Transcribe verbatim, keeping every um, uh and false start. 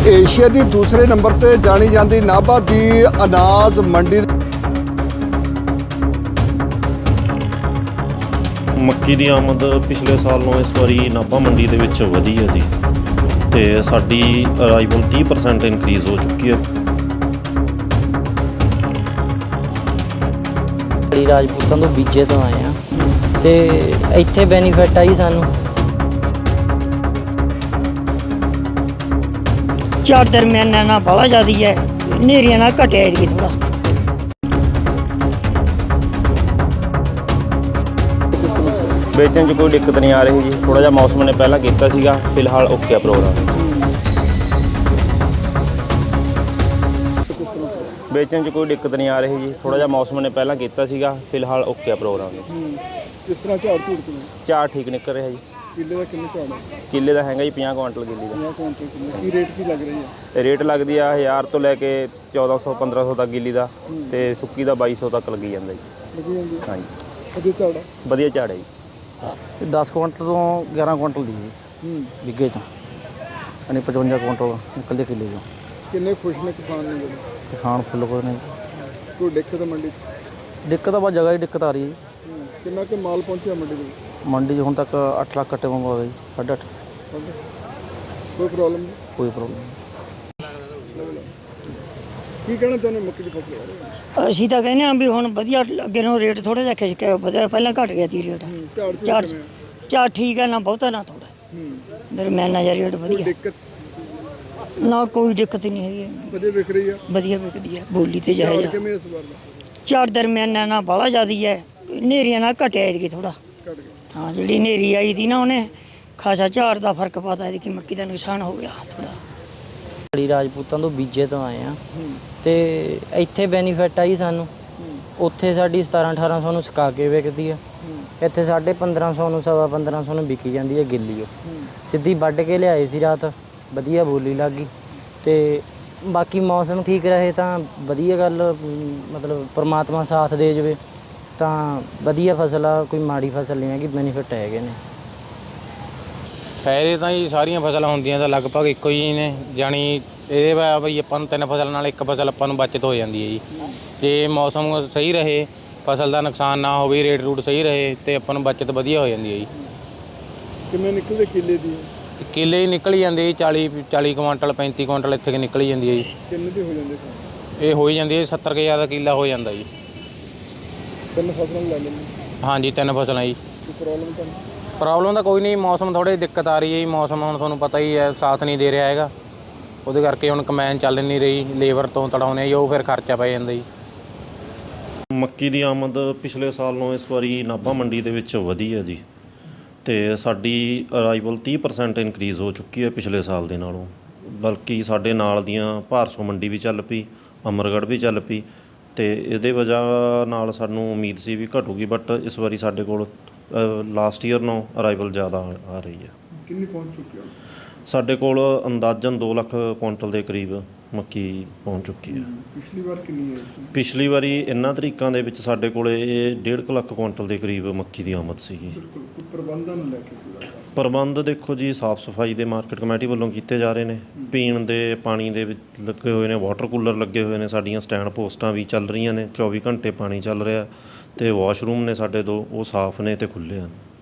Asia ਦੀ ਦੂਸਰੇ number ਤੇ ਜਾਣੀ ਜਾਂਦੀ ਨਾਭਾ ਦੀ ਅਨਾਜ ਮੰਡੀ। ਮੱਕੀ ਦੀ ਆਮਦ ਪਿਛਲੇ ਸਾਲ ਨਾਲੋਂ ਇਸ ਵਾਰੀ ਨਾਭਾ ਮੰਡੀ ਦੇ ਵਿੱਚ ਵਧੀ ਹੈ ਜੀ, ਤੇ ਸਾਡੀ ਅਰਾਈਵਲ ਤੀਹ ਪਰਸੈਂਟ ਇਨਕਰੀਜ਼ ਹੋ ਚੁੱਕੀ ਹੈ। ਰਾਜਪੂਤਾਂ ਤੋਂ ਬੀਜੇ ਤੋਂ ਆਏ ਆ ਤੇ ਇੱਥੇ ਬੈਨੀਫਿਟ ਆਈ ਸਾਨੂੰ। ਝਾੜ ਦਰਮਿਆਨਾ ਨਾਲ ਬਾਹਲਾ ਜ਼ਿਆਦੀ ਹੈ, ਹਨੇਰੀਆਂ ਨਾਲ ਘਟਿਆ ਜੀ ਥੋੜਾ। ਵੇਚਣ 'ਚ ਕੋਈ ਦਿੱਕਤ ਨਹੀਂ ਆ ਰਹੀ ਜੀ, ਥੋੜਾ ਜਿਹਾ ਮੌਸਮ ਨੇ ਪਹਿਲਾਂ ਕੀਤਾ ਸੀਗਾ, ਫਿਲਹਾਲ ਓਕੇ ਆ ਪ੍ਰੋਗਰਾਮ। ਵੇਚਣ 'ਚ ਕੋਈ ਦਿੱਕਤ ਨਹੀਂ ਆ ਰਹੀ ਜੀ, ਥੋੜਾ ਜਿਹਾ ਮੌਸਮ ਨੇ ਪਹਿਲਾਂ ਕੀਤਾ ਸੀਗਾ, ਫਿਲਹਾਲ ਓਕੇ ਆ ਪ੍ਰੋਗਰਾਮ। ਕਿਸ ਤਰ੍ਹਾਂ ਝਾੜ ਝੂੜ ਕਿਵੇਂ? ਝਾੜ ਠੀਕ ਨਿਕਲ ਰਿਹਾ ਜੀ। ਕਿੱਲੇ ਦਾ ਕਿੰਨੇ ਝਾੜ ਹੈ? ਕਿੱਲੇ ਦਾ ਹੈਗਾ ਜੀ ਪੰਜਾਹ ਕੁਆਂਟਲ ਕਿੱਲੇ ਦਾ। ਪੰਜਾਹ ਕੁਇੰਟਲ ਕਿੰਨੇ? ਕੀ ਰੇਟ ਕੀ ਲੱਗ ਰਹੀ ਹੈ? ਰੇਟ ਲੱਗਦੀ ਆ ਹਜ਼ਾਰ ਤੋਂ ਲੈ ਕੇ ਚੌਦਾਂ ਸੌ ਪੰਦਰਾਂ ਸੌ ਤੱਕ ਕਿੱਲੀ ਦਾ, ਤੇ ਸੁੱਕੀ ਦਾ ਬਾਈ ਸੌ ਤੱਕ ਲੱਗੀ ਜਾਂਦਾ ਜੀ। ਲੱਗੀ ਜਾਂਦੀ? ਹਾਂਜੀ, ਵਧੀਆ ਝਾੜ ਹੈ? ਵਧੀਆ ਝਾੜ ਹੈ ਜੀ। ਦਸ ਕੁਇੰਟਲ ਤੋਂ ਗਿਆਰਾਂ ਕੁਇੰਟਲ ਦੀ ਜੀ ਹੂੰ ਵਿੱਗੇ ਤੋਂ, ਯਾਨੀ ਪਚਵੰਜਾ ਕੁਇੰਟਲ ਨਿਕਲਦੇ ਕਿੱਲੇ ਤੋਂ। ਕਿੰਨੇ ਖੁਸ਼ ਨੇ ਕਿਸਾਨ ਨੇ ਜਿਹੜੇ? ਕਿਸਾਨ ਫੁੱਲ ਕੋਈ ਨਹੀਂ। ਕੋਈ ਦਿੱਕਤ ਮੰਡੀ 'ਚ? ਦਿੱਕਤ ਆ ਬਸ ਜਗ੍ਹਾ ਦੀ ਦਿੱਕਤ ਆ ਰਹੀ ਹੈ ਜੀ। ਹੂੰ। ਕਿੰਨਾ ਕੁ ਮਾਲ ਪਹੁੰਚਿਆ ਮੰਡੀ ਦੇ ਵਿੱਚ? ਮੰਡੀ 'ਚ ਹੁਣ ਤੱਕ ਅੱਠ ਲੱਖ ਕੱਟੇ ਵਾਂਗੂ ਆ ਗਏ ਜੀ, ਸਾਢੇ ਅੱਠ। ਕੋਈ ਪ੍ਰੋਬਲਮ ਨਹੀਂ? ਕੋਈ ਪ੍ਰੋਬਲਮ ਨਹੀਂ। ਕੀ ਕਹਿਣਾ ਚਾਹੁੰਦੇ ਮੱਕੀ ਦੀ ਫਸਲ ਬਾਰੇ? ਅਸੀਂ ਤਾਂ ਕਹਿੰਦੇ ਹਾਂ ਵੀ ਹੁਣ ਵਧੀਆ ਅੱਗੇ ਨੂੰ ਰੇਟ ਥੋੜਾ ਜਿਹਾ ਖਿੱਚ ਕੇ ਵਧੀਆ, ਪਹਿਲਾਂ ਘਟ ਗਿਆ ਸੀ ਰੇਟ। ਝਾੜ ਝਾੜ ਝੂੜ ਕਿਵੇਂ? ਝਾੜ ਠੀਕ ਹੈ, ਨਾ ਬਹੁਤਾ ਨਾ ਥੋੜਾ, ਹੂੰ। ਦਰਮਿਆਨਾ ਜਿਹਾ ਰੇਟ ਕੋਈ ਵਧੀਆ, ਦਿੱਕਤ? ਨਾ ਕੋਈ ਦਿੱਕਤ ਨਹੀਂ ਹੈਗੀ, ਵਧੀਆ ਵਿਕ ਰਹੀ ਆ? ਵਧੀਆ ਵਿਕਦੀ ਹੈ, ਬੋਲੀ ਤੇ ਜਾਏ ਝਾੜ ਜਾ। ਕਿਵੇਂ ਇਸ ਵਾਰ ਦਾ? ਝਾੜ ਦਰਮਿਆਨਾ ਨਾਲ ਬਾਹਲਾ ਜ਼ਿਆਦੀ ਹੈ, ਹਨੇਰੀਆਂ ਨਾਲ ਘਟਿਆ ਜੀ ਥੋੜਾ। ਘਟ ਗਿਆ? ਹਾਂ, ਜਿਹੜੀ ਹਨੇਰੀ ਆਈ ਸੀ ਨਾ ਉਹਨੇ ਖਾਸਾ ਝਾੜ ਦਾ ਫਰਕ ਪਾਤਾ ਹੈ ਕਿ ਮੱਕੀ ਦਾ ਨੁਕਸਾਨ ਹੋ ਗਿਆ ਥੋੜਾ। ਰਾਜਪੂਤਾਂ ਤੋਂ ਬੀਜੇ ਤੋਂ ਆਏ ਆ ਤੇ ਇੱਥੇ ਬੈਨੀਫਿਟ ਆਈ ਸਾਨੂੰ। ਉੱਥੇ ਸਾਡੀ ਸਤਾਰਾਂ ਅਠਾਰਾਂ ਸੌ ਨੂੰ ਸੁਕਾ ਕੇ ਵਿਕਦੀ ਆ, ਇੱਥੇ ਸਾਢੇ ਪੰਦਰਾਂ ਸੌ ਨੂੰ ਸਵਾ ਪੰਦਰਾਂ ਸੌ ਨੂੰ ਵਿਕੀ ਜਾਂਦੀ ਹੈ ਗਿੱਲੀ। ਉਹ ਸਿੱਧੀ ਵੱਢ ਕੇ ਲਿਆਏ ਸੀ ਰਾਤ, ਵਧੀਆ ਬੋਲੀ ਲੱਗ ਗਈ। ਤੇ ਬਾਕੀ ਮੌਸਮ ਠੀਕ ਰਹੇ ਤਾਂ ਵਧੀਆ ਗੱਲ, ਮਤਲਬ ਪਰਮਾਤਮਾ ਸਾਥ ਦੇ ਜਾਵੇ ਤਾਂ ਵਧੀਆ ਫਸਲ ਆ, ਕੋਈ ਮਾੜੀ ਫਸਲ ਨਹੀਂ ਹੈਗੀ, ਬੈਨੀਫਿਟ ਹੈਗੇ ਨੇ। ਫਾਇਦੇ ਤਾਂ ਜੀ ਸਾਰੀਆਂ ਫਸਲਾਂ ਹੁੰਦੀਆਂ ਤਾਂ ਲਗਭਗ ਇੱਕੋ ਹੀ ਨੇ, ਜਾਣੀ ਇਹ ਵਾ ਬਈ ਆਪਾਂ ਨੂੰ ਤਿੰਨ ਫਸਲ ਨਾਲ ਇੱਕ ਫਸਲ ਆਪਾਂ ਨੂੰ ਬਚਤ ਹੋ ਜਾਂਦੀ ਹੈ ਜੀ। ਜੇ ਮੌਸਮ ਸਹੀ ਰਹੇ, ਫਸਲ ਦਾ ਨੁਕਸਾਨ ਨਾ ਹੋਵੇ, ਰੇਟ ਰੂਟ ਸਹੀ ਰਹੇ ਤੇ ਆਪਾਂ ਨੂੰ ਬਚਤ ਵਧੀਆ ਹੋ ਜਾਂਦੀ ਹੈ ਜੀ। ਕਿੰਨੇ ਨਿਕਲਦੇ ਕਿੱਲੇ ਦੀ? ਕਿੱਲੇ ਹੀ ਨਿਕਲ ਹੀ ਜਾਂਦੇ ਜੀ, ਚਾਲੀ ਚਾਲੀ ਕੁਆਂਟਲ ਪੈਂਤੀ ਕੁਆਂਟਲ ਇੱਥੇ ਕਿ ਨਿਕਲ ਹੀ ਜਾਂਦੀ ਹੈ ਜੀ। ਕਿੰਨੇ ਦੀ ਹੋ ਜਾਂਦੇ? ਇਹ ਹੋ ਹੀ ਜਾਂਦੀ ਹੈ ਸੱਤਰ ਕੁ ਹਜ਼ਾਰ ਦਾ ਕਿੱਲਾ ਹੋ ਜਾਂਦਾ ਜੀ। ਤਿੰਨ ਫਸਲਾਂ ਲੈ ਲੈਂਦੇ? ਹਾਂਜੀ, ਤਿੰਨ ਫਸਲਾਂ ਜੀ। ਕੋਈ ਪ੍ਰੋਬਲਮ ਤਾਂ ਨਹੀਂ? ਪ੍ਰੋਬਲਮ ਤਾਂ ਕੋਈ ਨਹੀਂ, ਮੌਸਮ ਥੋੜ੍ਹੀ ਦਿੱਕਤ ਆ ਰਹੀ ਹੈ ਜੀ। ਮੌਸਮ ਹੁਣ ਤੁਹਾਨੂੰ ਪਤਾ ਹੀ ਹੈ, ਸਾਥ ਨਹੀਂ ਦੇ ਰਿਹਾ ਹੈਗਾ, ਉਹਦੇ ਕਰਕੇ ਹੁਣ ਕਮੈਨ ਚੱਲ ਨਹੀਂ ਰਹੀ, ਲੇਬਰ ਤੋਂ ਤੜਾਉਣੇ ਜੀ, ਉਹ ਫਿਰ ਖਰਚਾ ਪੈ ਜਾਂਦਾ ਜੀ। ਮੱਕੀ ਦੀ ਆਮਦ ਪਿਛਲੇ ਸਾਲ ਨਾਲੋਂ ਇਸ ਵਾਰੀ ਨਾਭਾ ਮੰਡੀ ਦੇ ਵਿੱਚ ਵਧੀ ਹੈ ਜੀ, ਤੇ ਸਾਡੀ ਅਰਾਈਵਲ ਤੀਹ ਪਰਸੈਂਟ ਇਨਕਰੀਜ਼ ਹੋ ਚੁੱਕੀ ਹੈ ਪਿਛਲੇ ਸਾਲ ਦੇ ਨਾਲੋਂ। ਬਲਕਿ ਸਾਡੇ ਨਾਲ ਦੀਆਂ ਭਾਰਸੋਂ ਮੰਡੀ ਵੀ ਚੱਲ ਪਈ, ਅਮਰਗੜ੍ਹ ਵੀ ਚੱਲ ਪਈ, ਤੇ ਇਹਦੇ ਵਜ੍ਹਾ ਨਾਲ ਸਾਨੂੰ ਉਮੀਦ ਸੀ ਵੀ ਘਟੂਗੀ, ਬਟ ਇਸ ਵਾਰੀ ਸਾਡੇ ਕੋਲ ਲਾਸਟ ਈਅਰ ਨਾਲੋਂ ਅਰਾਈਵਲ ਜ਼ਿਆਦਾ ਆ ਰਹੀ ਹੈ। ਕਿੰਨੀ ਪਹੁੰਚ ਚੁੱਕੀ ਹੈ? ਸਾਡੇ ਕੋਲ ਅੰਦਾਜ਼ਨ ਦੋ ਲੱਖ ਕੁਇੰਟਲ ਦੇ ਕਰੀਬ ਮੱਕੀ ਪਹੁੰਚ ਚੁੱਕੀ ਹੈ। ਪਿਛਲੀ ਵਾਰ ਕਿੰਨੀ ਹੈ? ਪਿਛਲੀ ਵਾਰੀ ਇਹਨਾਂ ਤਰੀਕਾਂ ਦੇ ਵਿੱਚ ਸਾਡੇ ਕੋਲ ਇਹ ਡੇਢ ਕੁ ਲੱਖ ਕੁਇੰਟਲ ਦੇ ਕਰੀਬ ਮੱਕੀ ਦੀ ਆਮਦ ਸੀਗੀ। ਬਿਲਕੁਲ। ਕੋਈ ਪ੍ਰਬੰਧਾਂ ਨੂੰ ਲੈ ਕੇ ਪੂਰਾ ਪ੍ਰਬੰਧ ਦੇਖੋ ਜੀ, ਸਾਫ਼ ਸਫਾਈ ਦੇ ਮਾਰਕੀਟ ਕਮੇਟੀ ਵੱਲੋਂ ਕੀਤੇ ਜਾ ਰਹੇ ਨੇ, ਪੀਣ ਦੇ ਪਾਣੀ ਦੇ ਵਿੱਚ ਲੱਗੇ ਹੋਏ ਨੇ, ਵਾਟਰ ਕੂਲਰ ਲੱਗੇ ਹੋਏ ਨੇ, ਸਾਡੀਆਂ ਸਟੈਂਡ ਪੋਸਟਾਂ ਵੀ ਚੱਲ ਰਹੀਆਂ ਨੇ, ਚੌਵੀ ਘੰਟੇ ਪਾਣੀ ਚੱਲ ਰਿਹਾ, ਅਤੇ ਵਾਸ਼ਰੂਮ ਨੇ ਸਾਡੇ ਦੋ, ਉਹ ਸਾਫ਼ ਨੇ ਅਤੇ ਖੁੱਲ੍ਹੇ ਹਨ।